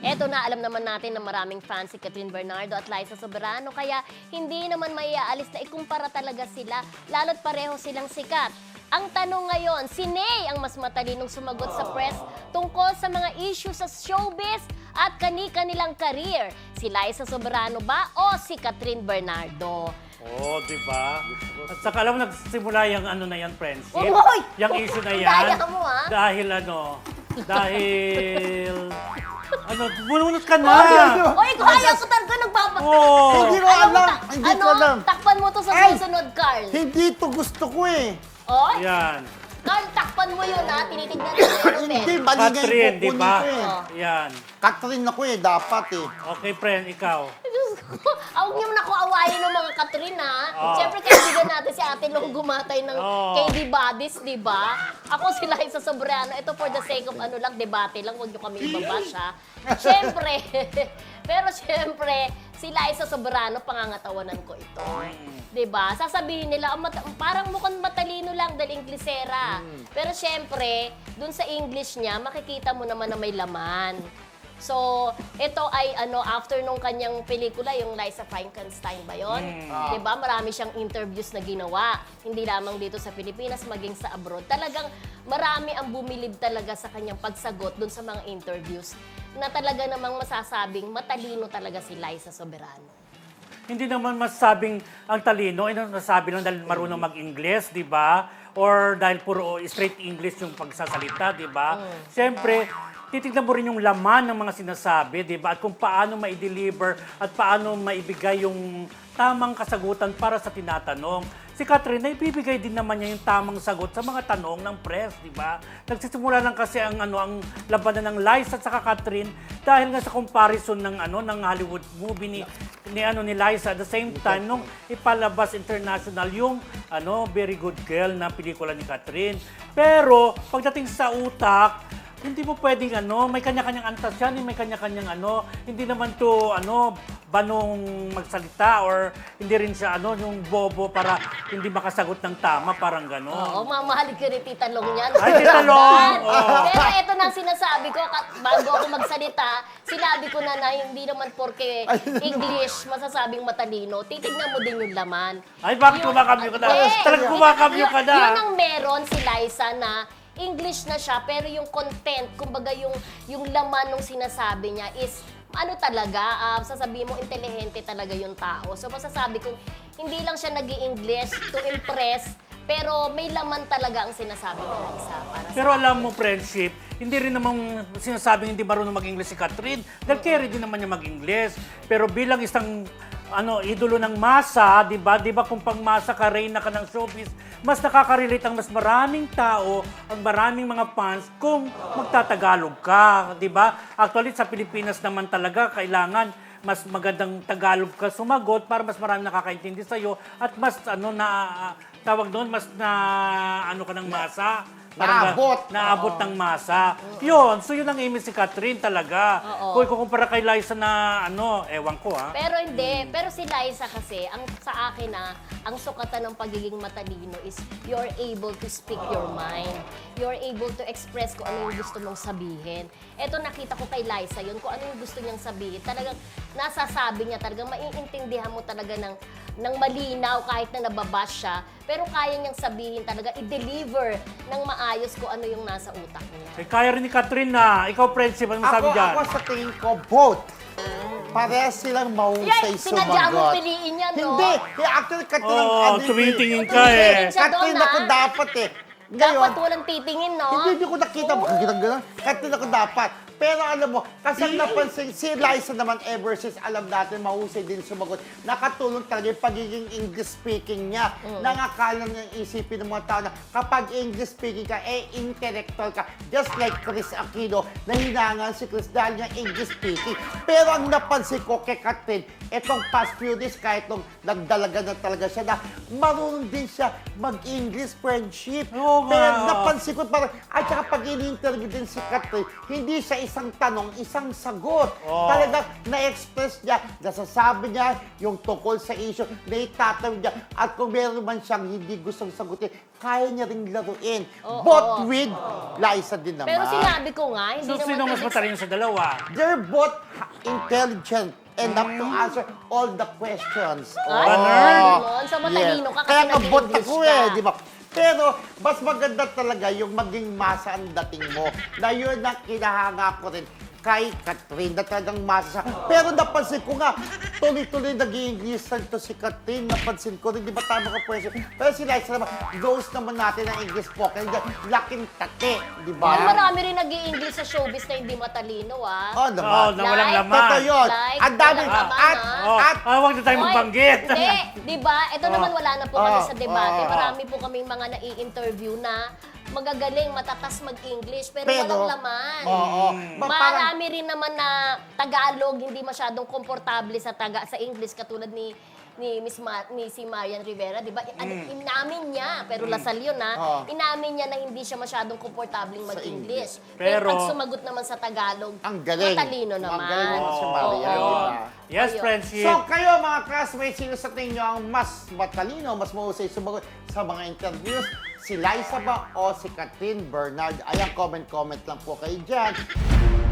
Eto na, alam naman natin na maraming fans si Catherine Bernardo at Liza Soberano, kaya hindi naman maiaalis na ikumpara talaga sila, lalo't pareho silang sikat. Ang tanong ngayon, si Ney ang mas matalinong sumagot sa press tungkol sa mga issue sa showbiz at kani-kanilang career. Si Liza Soberano ba o si Catherine Bernardo? Oo, di ba? At saka alam mo, nagsimula yung ano na yan, friendship. Uy! Yung issue na yan. Daya mo, ha? Dahil bununot ka na. Oy, kaya ko talaga Oo. Hindi ko alam. Hindi ko alam. Takpan mo to sa Ay! susunod, Carl. Hindi to gusto ko eh. Oy, Yan. Carl, takpan mo yun, ha? Tinitignan ko Hindi, yun, mali nga Catherine, yung di kukunin ba? ko eh. Yan. Catherine ako eh, dapat eh. Okay, friend, ikaw. Diyos ko, huwag niyo na ako awayin ng mga Catherine, ha? Oh. Siyempre, kaibigan natin si Ate Long gumatay ng Oh. KD Buddies, di ba? Ako si Liza Soberano. Ito for the sake of ano lang, debate lang. Huwag niyo kami ibabash, ha? Siyempre, pero siyempre, si Liza Soberano, pangangatawanan ko ito. Di ba? Sasabihin nila, parang mukhang matalino lang dahil Inglesera. Pero siyempre, dun sa English niya, makikita mo naman na may laman. So, ito ay after nung kanyang pelikula, yung Liza Frankenstein ba yun? Diba? Marami siyang interviews na ginawa. Hindi lamang dito sa Pilipinas, maging sa abroad. Talagang marami ang bumilib talaga sa kanyang pagsagot dun sa mga interviews na talaga namang masasabing matalino talaga si Liza Soberano. Hindi naman masabing ang talino, nasabi lang dahil marunong mag-Ingles, di ba? Or dahil puro straight English yung pagsasalita, di ba? Siyempre, titignan mo rin yung laman ng mga sinasabi, di ba? At kung paano ma-deliver at paano maibigay yung tamang kasagutan para sa tinatanong. Si Catherine, naibibigay din naman niya yung tamang sagot sa mga tanong ng press, di ba? Nagsisimula lang kasi ang labanan ng Liza at saka Catherine dahil nga sa comparison ng ng Hollywood movie ni Liza at the same time nung ipalabas international yung Very Good Girl na pelikula ni Catherine. Pero pagdating sa utak, hindi mo pwedeng may kanya-kanyang antas yan, may kanya-kanyang hindi naman to banong magsalita or hindi rin siya yung bobo para hindi makasagot ng tama, parang gano'n. Oo, mamahalin ka ni Tita Long yan. Ay, Tita Long! Oo. Pero ito na ang sinasabi ko, bago ako magsalita, sinabi ko na hindi naman porke English masasabing matalino, titignan mo din yung laman. Ay, bakit kumakamyo ka na? Talagang kumakamyo ka na. Yun ang meron si Liza na English na siya, pero yung content, kumbaga yung laman ng sinasabi niya is talaga, sasabihin mo, intelihente talaga yung tao. So, masasabi kong, hindi lang siya nag-i-English to impress, pero may laman talaga ang sinasabi ni Liza. Pero alam mo, friendship, hindi rin namang sinasabing hindi marunong mag-English si Catherine. Dahil carry din naman niya mag-English. Pero bilang isang idolo ng masa, di ba? Di ba kung pang masa ka, reyna ka ng showbiz, mas nakaka-relate ang mas maraming tao, ang maraming mga fans kung magtatagalog ka, di ba? Actually, sa Pilipinas naman talaga, kailangan mas magandang Tagalog ka sumagot para mas maraming nakakaintindi sa'yo at mas, tawag doon, mas ka ng masa. Naabot ng masa. Yun. So, yun ang aim si Catherine talaga. Kung ikukumpara kay Liza na ewan ko ha. Pero hindi. Pero si Liza kasi, sa akin ang sukatan ng pagiging matalino is you're able to speak your mind. You're able to express kung ano yung gusto mong sabihin. Eto, nakita ko kay Liza yun, kung ano yung gusto niyang sabihin. Talagang nasasabi niya, talagang maiintindihan mo talaga ng malinaw kahit na nababash siya. Pero kaya niyang sabihin talaga, i-deliver ng maayos kung ano yung nasa utak niya. Eh, kaya rin ni Catherine na. Ikaw, friendship, ano sabi dyan? Ako sa tingin ko, both. Parehas silang mahusay Sinadya mo sumagot. piliin yan, no? Hindi. Actually, Catherine, tumitingin ka eh. Siya doon, Catherine ako dapat eh. Ngayon, Dapat walang titingin, no? hindi ko nakita. Bakit gano'n? Catherine ako dapat. Pero alam mo, kasi ang napansin, si Liza naman ever since alam natin, mahusay din sumagot. Nakatulong talaga yung pagiging English speaking niya. Nangakala niya isipin ng mga tao na kapag English speaking ka, intellectual ka. Just like Chris Aquino, nahinangan si Chris dahil niya English speaking. Pero ang napansin ko kay Catherine, etong past few days, kahit nung nagdalaga na talaga siya na marunong din siya mag-English friendship. Oo Oo nga. Pero napansin ko parang, at saka pag ini-interview din si Catherine, hindi siya isang tanong, isang sagot. Oo. Talagang na-express niya, nasasabi niya yung tungkol sa issue, na itatanong niya. At kung meron man siyang hindi gustong sagutin, kaya niya ring laruin. Oo. Both with Liza din naman. Pero sinabi ko nga, hindi So, naman sino mas ibig- matalino sa dalawa? They're both intelligent enough to answer all the questions. Ay, Oo. ganon. So, matalino ka kasi Kaya nga bot nag-English ako ka. di ba? Pero, mas maganda talaga yung maging masa ang dating mo. Na yun ang kinahanga ko rin kay Catherine, na talagang masa siya. Pero napansin ko nga, tuloy-tuloy nag-i-English to si Catherine. Napansin ko rin, di ba tama ka pwede? Pero si Liza naman, goes naman natin ang English spoken. Laking tate, di ba? Pero marami rin nag-i-English sa showbiz na hindi matalino, ah. Oh, naman. Oo, na walang Like, laman. Totoo yun. Like, Ang dami. walang laman, At, ah. Oh, huwag na tayo Hoy, magbanggit. Hindi, di ba? Ito naman wala na po kami Oh, sa debate. oh, Marami po kaming mga nai-interview na magagaling, matatas mag-English, pero walang laman. Oo. Parang, Marami rin naman na Tagalog, hindi masyadong komportable sa English, katulad ni si Marian Rivera, di ba? Inamin niya, pero lasal yun, Oo. inamin niya na hindi siya masyadong komportabling mag-English. Pero- pag sumagot naman sa Tagalog, ang galing. matalino naman. Ang galing naman si Oo. Maria, di ba? Yes, Ayun. friendship. So kayo mga classmates, sino sa tingin nyo ang mas matalino, mas mahusay sumagot sa mga interviews? Si Liza ba o si Catherine Bernard? Ayan, comment lang po kayo dyan.